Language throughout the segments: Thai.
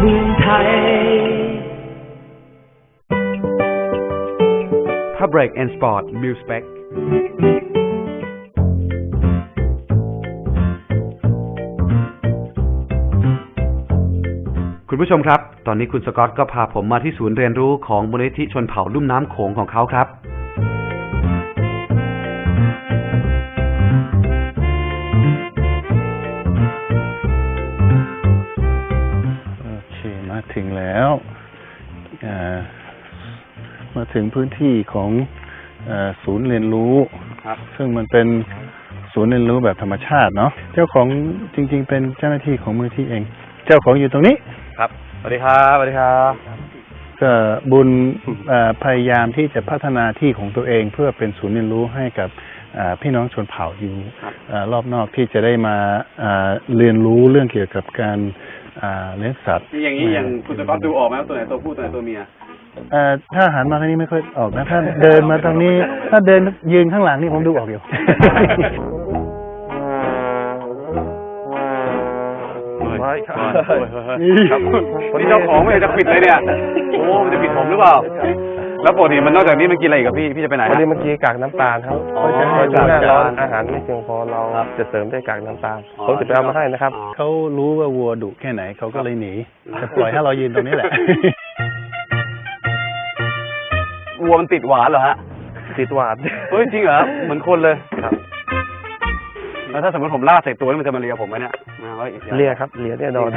เมืองไทย Public and Sport Mil Specคุณผู้ชมครับตอนนี้คุณสกอตก็พาผมมาที่ศูนย์เรียนรู้ของมูลนิธิชนเผ่าลุ่มน้ำโขงของเขาครับโอเคมาถึงแล้วมาถึงพื้นที่ของศูนย์เรียนรู้ซึ่งมันเป็นศูนย์เรียนรู้แบบธรรมชาติเนาะเจ้าของจริงๆเป็นเจ้าหน้าที่ของมูลนิธิเองเจ้าของอยู่ตรงนี้ครับสวัสดีครับสวัสดีครับก็บุญพยายามที่จะพัฒนาที่ของตัวเองเพื่อเป็นศูนย์เรียนรู้ให้กับพี่น้องชนเผ่าอยู่รอบนอกที่จะได้มาเรียนรู้เรื่องเกี่ยวกับการเลี้ยงสัตว์อย่างนี้อย่างคุณสกอตดูออกไหมว่าตัวไหนตัวผู้ตัวไหนตัวเมียถ้าหันมาทางนี้ไม่ค่อยออกนะถ้าเดินมาทางนี้ถ้าเดินยืนข้างหลังนี่ผมดูออกอยู่นี่เจ้าของไม่จะปิดเลยเนี่ยโอ้มันจะปิดผมหรือเปล่าแล้วปกติมันนอกจากนี้มันกินอะไรอีกครับพี่จะไปไหนวันนี้เมื่อกี้กากน้ำตาลครับเพราะฉะนั้นหน้าร้อนอาหารไม่เพียงพอเราจะเสริมด้วยกากน้ำตาลผมจะไปเอามาให้นะครับเขารู้ว่าวัวดุแค่ไหนเขาก็เลยหนีจะปล่อยให้เรายืนตรงนี้แหละวัวมันติดหวานเหรอฮะติดหวานเฮ้ยจริงเหรอเหมือนคนเลยครับแล้วถ้าสมมติผมล่าใส่ตัวนี่มันจะมาเลียผมไหมเนี่ยเลียครับเลียแน่นอน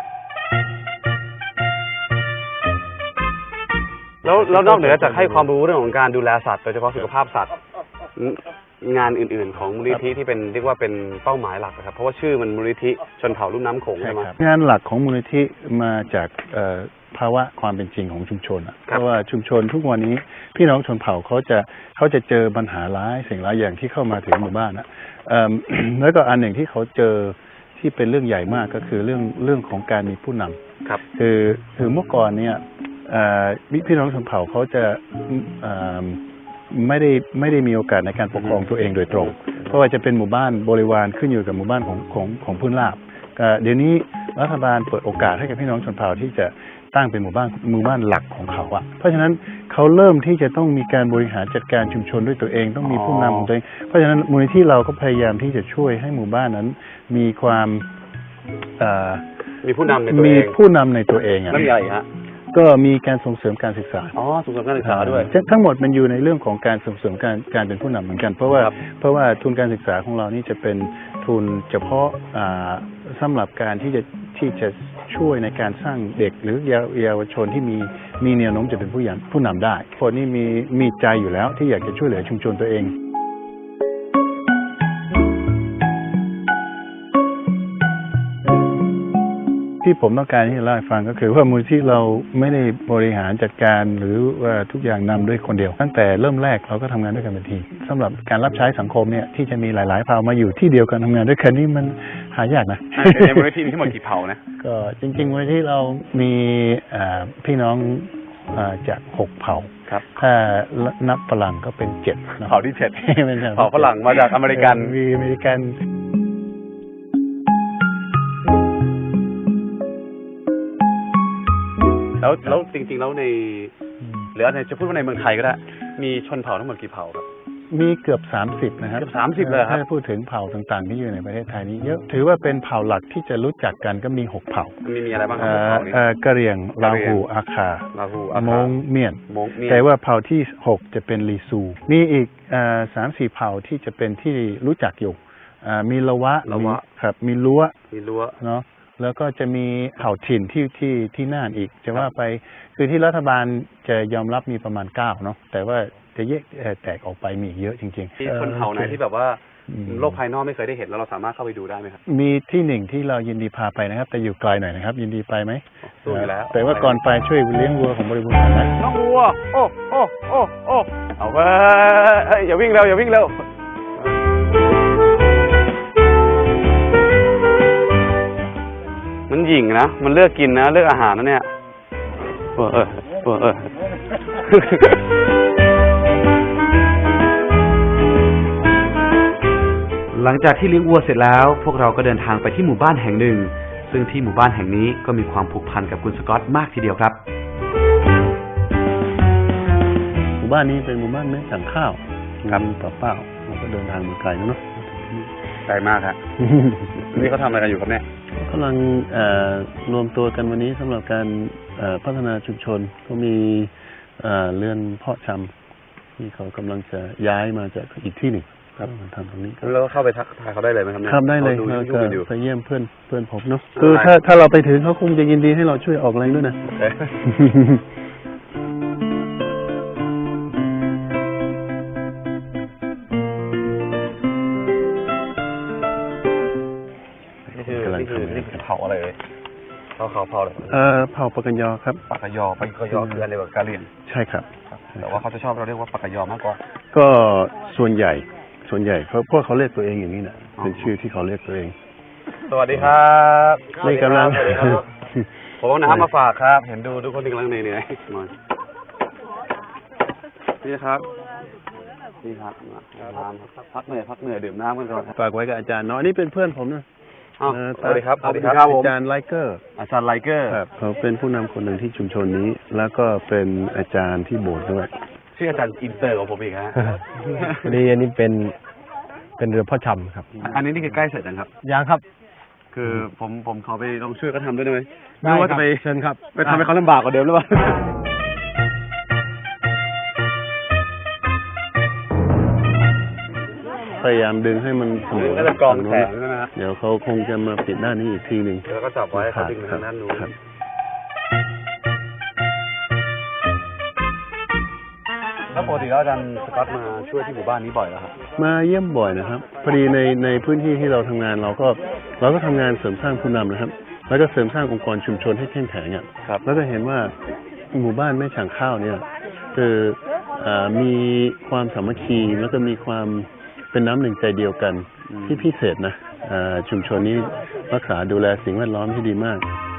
แล้วนอกเหนือจากให้ความรู้เรื่องของการดูแลสัตว์โดยเฉพาะสุขภาพสัตว์งานอื่นๆของมูลนิธิที่เป็นเรียกว่าเป็นเป้าหมายหลักนะครับเพราะว่าชื่อมันมูลนิธิชนเผ่าลุ่มน้ำโขงใช่ไหมงานหลักของมูลนิธิมาจากภาวะความเป็นจริงของชุมชนเพราะว่าชุมชนทุกวันนี้พี่น้องชนเผ่าเขาจะเจอปัญหาร้ายสิ่งหลายอย่างที่เข้ามาถึงหมู่บ้านนะแล้วก็อันหนึ่งที่เขาเจอที่เป็นเรื่องใหญ่มากก็คือเรื่องของการมีผู้นำครับคือเมื่อก่อนเนี่ยพี่น้องชนเผ่าเขาจะไม่ได้มีโอกาสในการปกครองตัวเองโดยตรงเพราะว่าจะเป็นหมู่บ้านบริวารขึ้นอยู่กับหมู่บ้านของพื้นราบเดี๋ยวนี้รัฐบาลเปิดโอกาสให้กับพี่น้องชนเผ่าที่จะตั้งเป็นหมู่บ้านหลักของเขาเพราะฉะนั้นเขาเริ่มที่จะต้องมีการบริหารจัดการชุมชนด้วยตัวเองต้องมีผู้นำของตัวเองเพราะฉะนั้นมูลนิธิเราก็พยายามที่จะช่วยให้หมู่บ้านนั้นมีความมีผู้นำในตัวเองมีผู้นำในตัวเองเรื่องใหญ่ฮะก็มีการส่งเสริมการศึกษาส่งเสริมการศึกษาด้วยทั้งหมดมันอยู่ในเรื่องของการส่งเสริมการเป็นผู้นำเหมือนกันเพราะว่าทุนการศึกษาของเรานี่จะเป็นทุนเฉพาะสำหรับการที่จะช่วยในการสร้างเด็กหรือเยาวชนที่มีแนวโน้มจะเป็นผู้นำได้คนนี้มีใจอยู่แล้วที่อยากจะช่วยเหลือชุมชนตัวเองที่ผมต้องการที่จะเล่าให้ฟังก็คือว่ามูลที่เราไม่ได้บริหารจัดการหรือว่าทุกอย่างนำด้วยคนเดียวตั้งแต่เริ่มแรกเราก็ทำงานด้วยกันเป็นทีมสำหรับการรับใช้สังคมเนี่ยที่จะมีหลายๆเผ่ามาอยู่ที่เดียวกันทำงานด้วยกันนี่มันหายากนะในมูลนิธิมีทั้งหมดกี่เผ่านะก็จริงๆมูลนิธิเรามีพี่น้องจาก6เผ่าถ้านับฝรั่งก็เป็น7 เผ่าที่7เผ่าฝรั่งมาจากอเมริกันมีอเมริกันแล้วจริงๆแล้วในหรือจะพูดว่าในเมืองไทยก็ได้มีชนเผ่าทั้งหมดกี่เผ่าครับมีเกือบ30นะครับเกือบ30เลยครับถ้าพูดถึงเผ่าต่างๆที่อยู่ในประเทศไทยนี้เยอะถือว่าเป็นเผ่าหลักที่จะรู้จักกันก็มี6เผ่ามีอะไรบ้างครับกะเหรี่ยงลาหูอาคามงเมียนแต่ว่าเผ่าที่6จะเป็นลีซูมีอีก3-4เผ่าที่จะเป็นที่รู้จักอยู่มีละวะครับมีลัวเนาะแล้วก็จะมีเผ่าถิ่นที่น่านอีกจะว่าไปคือที่รัฐบาลจะยอมรับมีประมาณ9เนาะแต่ว่าจะแยกแตกออกไปมีเยอะจริงๆมีชนเผ่าไหนที่แบบว่าโลกภายนอกไม่เคยได้เห็นแล้วเราสามารถเข้าไปดูได้ไหมครับมีที่หนึ่งที่เรายินดีพาไปนะครับแต่อยู่ไกลหน่อยนะครับยินดีไปไหมสู้อยู่แล้วแต่ว่าก่อนไปช่วยเลี้ยงวัวของบริบูรณ์นะน้องวัวโอ้เอาไปอย่าวิ่งเร็วมันหยิ่งนะมันเลือกกินนะเลือกอาหารนะเนี่ยหลังจากที่เลี้ยงวัวเสร็จแล้วพวกเราก็เดินทางไปที่หมู่บ้านแห่งหนึ่งซึ่งที่หมู่บ้านแห่งนี้ก็มีความผูกพันกับคุณสกอตมากทีเดียวครับหมู่บ้านนี้เป็นหมู่บ้านแม่สั่งข้าวครับเปล่าๆเราก็เดินทางมาไกลแล้วเนาะไกลมากครับ นี่เขาทำอะไรกันอยู่ครับเนี่ยกำลังรวมตัวกันวันนี้สำหรับการพัฒนาชุมชนก็มีเรือนเพาะชำที่เขากำลังจะย้ายมาจากอีกที่หนึ่งครับมาทำตรงนี้แล้วก็เข้าไปทักทายเขาได้เลยไหมครับเนี่ยครับได้เลยขาดูเรายุ่งก็กันอยู่ไปเยี่ยมเพื่อนผมเนาะคือถ้าเราไปถึงเขาคงจะยินดีให้เราช่วยออกแรงด้วยนะนี่คือเผาอะไรเลยเผาอะไรเผ่าปากกันยอครับปากกยอคืออะไรแบบกะเหรี่ยงใช่ครับแต่ว่าเขาจะชอบเราเรียกว่าปากกยอมากกว่าก็ส่วนใหญ่เพราะเขาเรียกตัวเองอย่างนี้นะเป็นชื่อที่เขาเรียกตัวเองสวัสดีครับนี่กำลังสวัสดีครับ ผมเอาน้ำมาฝากครับ เห็นดูทุกคนกำลังเหนื่อยๆมานี่ครับนี่ครับน้ำครับพักเหนื่อยดื่มน้ำกันก่อนครับฝากไว้กับอาจารย์เนาะอันนี้เป็นเพื่อนผมนะสวัสดีครับอาจารย์ไลเกอร์อาจารย์ไลเกอร์ครับเขาเป็นผู้นำคนหนึ่งที่ชุมชนนี้ แล้วก็เป็นอาจารย์ที่โบสถ์ด้วยชื่ออาจารย์อินเตอร์ของผมอีกฮะพอดีอันนี้เป็นเรือพ่อชำครับอันนี้นี่คือใกล้เสร็จยังครับยังครับคือผมขอไปลองช่วยเขาทำด้วยได้ไหมได้ไม่ว่าครัจะบไปเชิญครับไปทำให้เขาลำบากกว่าเดิมหรือเปล่าพยายามดึงให้มันเสมอก็จะกองแขนใช่ไหมฮะเดี๋ยวเขาคงจะมาปิดด้านนี้อีกทีหนึ่งแล้วก็จับไว้เขาดึงไปทางด้านนู้นครับแล้วปกติแล้วอาจารย์สกอตมาช่วยที่หมู่บ้านนี้บ่อยแล้วครับมาเยี่ยมบ่อยนะครับพอดีในพื้นที่ที่เราทำงานเราก็ทำงานเสริมสร้างผู้นำนะครับ แล้วก็เสริมสร้างองค์กรชุมชนให้เข้มแข็งอ่ะครับแล้วก็เห็นว่าหมู่บ้านแม่ฉางข้าวเนี่ยคือมีความสามัคคีแล้วก็มีความเป็นน้ำหนึ่งใจเดียวกันที่พิเศษนะชุมชนนี้รักษาดูแลสิ่งแวดล้อมที่ดีมาก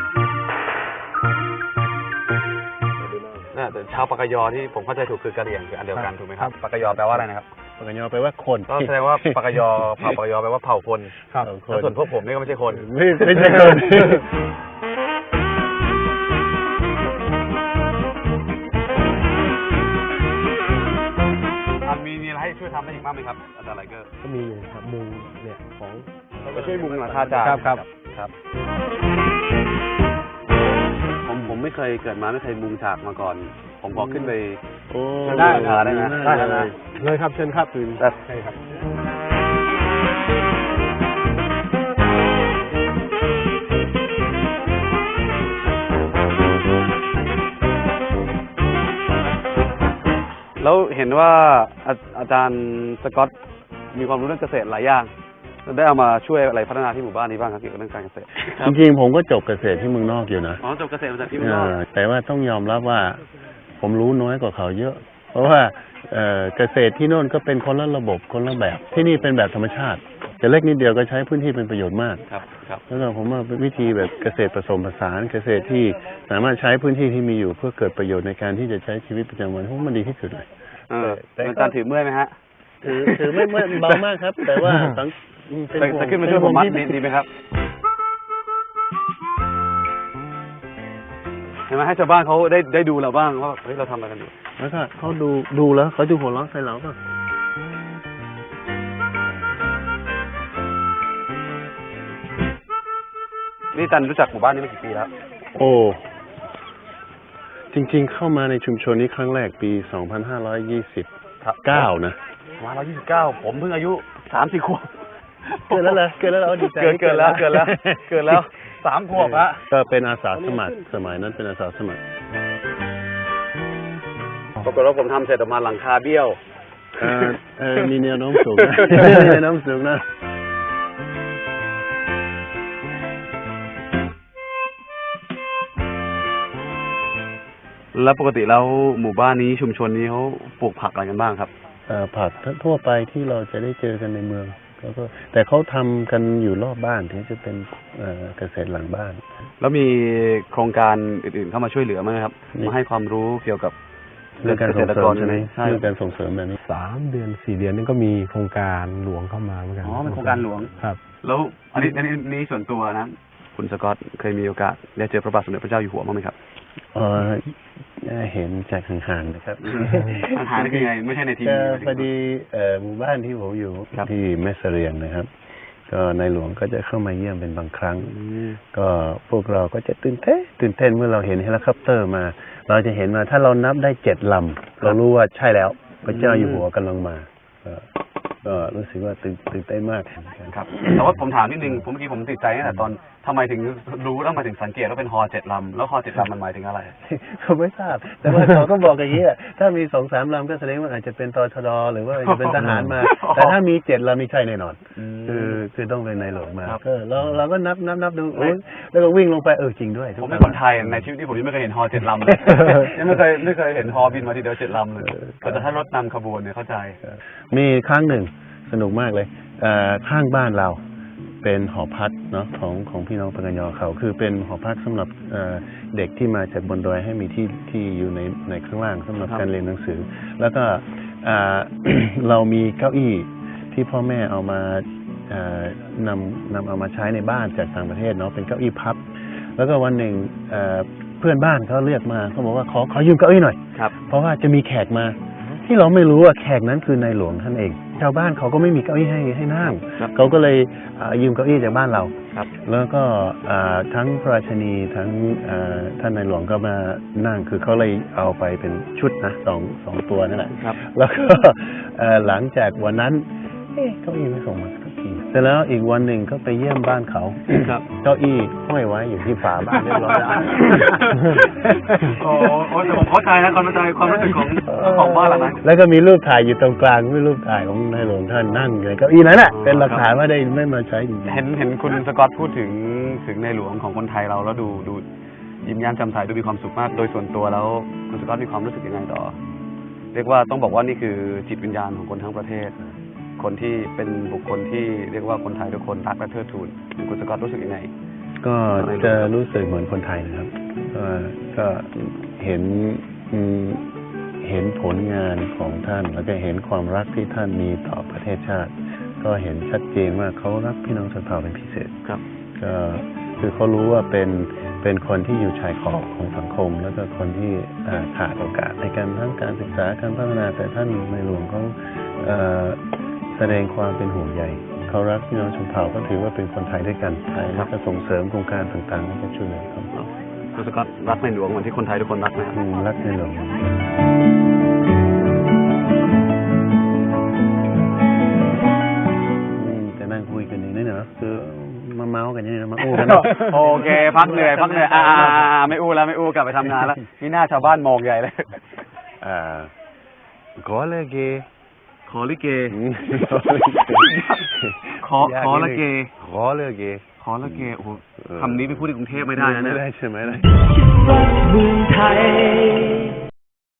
น่าแต่ชาวปากกยอที่ผมเข้าใจถูกคือกะเหรี่ยงคืออันเดียวกันถูกไหมครับปากกยอแปลว่าอะไรนะครับปากกยอแปลว่าคนก็แสดงว่าปากกยอเผ่าปากกยอแปลว่าเผ่าคนครับแล้วส่วนพวกผมนี่ก็ไม่ใช่คนไม่ใช่คนมีอะไรให้ช่วยทำได้อีกบ้างไหมครับอาจารย์ไลเกอร์ก็มีอยู่ครับมุงเนี่ยของไปช่วยมุงหลังคาจานครับผมไม่เคยเกิดมาไม่เคยมุงฉากมาก่อน ผมขอขึ้นไปโอ้ได้ได้ไหมได้ได้เลไหมยเลยครับเชิญครับใช่ใช่ครับแล้วเห็นว่าอาจารย์สกอตมีความรู้เรื่องเกษตรหลายอย่างได้เอามาช่วยอะไรพัฒนาที่หมู่บ้านนี้บ้างครับเกี่ยวกับเรื่องการเกษตรจริงๆผมก็จบเกษตรที่เมืองนอกอยู่นะอ๋อจบเกษตรมาจากที่เมืองนอกแต่ว่าต้องยอมรับว่าผมรู้น้อยกว่าเขาเยอะ เพราะว่าเกษตรที่โน่นก็เป็นคนละระบบคนละแบบ ที่นี่เป็นแบบธรรมชาติแต่เล็กนิดเดียวก็ใช้พื้นที่เป็นประโยชน์มากครับครับแล้วก็ผมว่าเป็นวิธีแบบเกษตรผสมผสานเกษตรที่สามารถใช้พื้นที่ที่มีอยู่เพื่อเกิดประโยชน์ในการที่จะใช้ชีวิตประจำวันผมว่ามันดีที่สุดเลยอาจารย์ถือเมื่อยไหมฮะถือไม่เบามากครับ แต่ว่าจะขึ้นมาช่วยผมมัดดีไหมครับเห็นไหมให้ชาวบ้านเขาได้ดูเราบ้างว่าเฮ้ยเราทำอะไรกันอยู่แล้วก็เขาดูแล้วเขาจะหัวเราะใส่เราป่ะนี่จันรู้จักหมู่บ้านนี้มากี่ปีแล้วโอ้ จริงๆเข้ามาในชุมชนนี้ครั้งแรกปี 2529 นะ 129ผมเพิ่งอายุ 3-4 ขวบเกิดแล้วเหรอเกิดแล้วเหรอดีใจเกิดแล้ว3 ขวบฮะก็เป็นอาสาสมัครสมัยนั้นเป็นอาสาสมัครปรากฏว่าผมทำเสร็จออกมาหลังคาเบี้ยวมีแนวโน้มสูงนะ มีแนวโน้มสูงนะแล้วปกติแล้วหมู่บ้านนี้ชุมชนนี้เขาปลูกผักอะไรกันบ้างครับผักทั่วไปที่เราจะได้เจอกันในเมืองก็แต่เขาทำกันอยู่รอบบ้านถึงจะเป็นเกษตรหลังบ้านแล้วมีโครงการอื่นๆเข้ามาช่วยเหลือไหมครับมาให้ความรู้เกี่ยวกับเรื่องการส่งเสริมใช่ไหมใช่เรื่องการส่งเสริมแบบนี้ 3 เดือน 4 เดือนนี่ก็มีโครงการหลวงเข้ามาเหมือนกันอ๋อเป็นโครงการหลวงครับแล้วอันนี้ส่วนตัวนะคุณสกอตเคยมีโอกาสได้เจอพระบาทสมเด็จพระเจ้าอยู่หัวบ้างไหมครับเห็นจากห่างๆนะครับห่างๆนี่คือไงไม่ใช่ในทีวีพอดีหมู่บ้านที่ผมอยู่ที่แม่เสรียงนะครับ ก็ในหลวงก็จะเข้ามาเยี่ยมเป็นบางครั้ง ก็พวกเราก็จะตื่นเต้นเมื่อเราเห็นเฮลิคอปเตอร์มา เราจะเห็นว่าถ้าเรานับได้7 ลำเรารู้ว่าใช่แล้วพระเจ้าอยู่หัวกำลังมาก็รู้สึกว่าตื่นเต้นมากครับแต่ว่าผมถามนิดนึงเมื่อกี้ผมติดใจตั้งแต่ตอนทำไมถึงรู้แล้วมาถึงสังเกตว่าเป็นฮอ7 ลำแล้วฮอ7 ลำมันหมายถึงอะไรผมไม่ทราบแต่ว่าเขาก็บอกอย่างนี้ถ้ามี2-3 ลำก็แสดงว่าอาจจะเป็นตชดหรือว่าจะเป็นทหารมาแต่ถ้ามี7 ลำนี่ใช่แน่นอนคือต้องเป็นในหลวงมาเราก็นับดูแล้วก็วิ่งลงไปจริงด้วยผมเป็นคนไทยในชีวิตที่ผมยังไม่เคยเห็นฮอ7 ลำเลยยังไม่เคยเห็นฮอบินมาทีเดียว7 ลำเลยแต่ถ้ารถนำขบวนเนี่ยเข้าใจมีครั้งหนึ่งสนุกมากเลยข้างบ้านเราเป็นหอพักเนาะของพี่น้องปกัญญาเขาคือเป็นหอพักสำหรับเด็กที่มาจากบนดอยให้มีที่อยู่ในข้างล่างสำหรับการเรียนหนังสือแล้วก็เรามีเก้าอี้ที่พ่อแม่เอามานำเอามาใช้ในบ้านจากต่างประเทศเนาะเป็นเก้าอี้พับแล้วก็วันหนึ่งเพื่อนบ้านเขาเรียกมาเขาบอกว่าขอยืมเก้าอี้หน่อยเพราะว่าจะมีแขกมาที่เราไม่รู้ว่าแขกนั้นคือนายหลวงท่านเองชาวบ้านเขาก็ไม่มีเก้าอี้ให้นั่งเขาก็เลยยืมเก้าอี้จากบ้านเราแล้วก็ทั้งพระราชินีทั้งท่านนายหลวงก็มานั่งคือเขาเลยเอาไปเป็นชุดนะสองตัวนั่นแหละแล้วก็หลังจากวันนั้นเก้าอี้ไม่ส่งมาสักทีแต่แล้วอีกวันหนึ่งก็ไปเยี่ยมบ้านเขาเก้าอี้ห้อยไว้อยู่ที่ฝาบ้านเรียบร้อยแล้วโอ้แต่ผมเข้าใจนะความรู้สึกของบ้านหลังนั้นแล้วก็มีรูปถ่ายอยู่ตรงกลางไม่รูปถ่ายของนายหลวงท่านนั่งเลยเก้าอี้นั้นแหละเป็นหลักฐานว่าได้ไม่มาใช้จริงๆเห็นคุณสกอตพูดถึงในหลวงของคนไทยเราแล้วดูยิ้มแย้มแจ่มใสดูมีความสุขมากโดยส่วนตัวแล้วคุณสกอตมีความรู้สึกยังไงต่อเรียกว่าต้องบอกว่านี่คือจิตวิญญาณของคนทั้งประเทศคนที่เป็นบุคคลที่เรียกว่าคนไทยทุกคนรักและเทิดทูนคุณสกอตรู้สึกยังไงก็จะรู้สึกเหมือนคนไทยนะครับก็เห็นผลงานของท่านแล้วก็เห็นความรักที่ท่านมีต่อประเทศชาติก็เห็นชัดเจนว่าเขารักพี่น้องชนเผ่าเป็นพิเศษครับก็คือเขารู้ว่าเป็นคนที่อยู่ชายขอบของสังคมแล้วก็คนที่ขาดโอกาสในการทั้งการศึกษาการพัฒนาแต่ท่านในหลวงเขาแสดงความเป็นห่วงใยเขารักพี่น้องชนเผ่าก็ถือว่าเป็นคนไทยด้วยกันแล้วก็ส่งเสริมโครงการต่างๆให้กับช่วยเหลือเขาคุณสกอตรักในหลวงเหมือนที่คนไทยทุกคนรักนะครับรักในหลวงจะนั่งคุยกันอย่างนี้เนาะคือมาเมาส์กันอย่างนี้มาอู้กันโอเคพักเหนื่อยไม่อู้แล้วไม่อู้กลับไปทำงานแล้วนี่หน้าชาวบ้านมองใหญ่เลยขอเลยเกขอลิเกขอละเกขอเลยเกขอละเกโอ้โหคำนี้ไปพูดในกรุงเทพไม่ได้นะไม่ได้ใช่ไหมล่ะเมืองไทย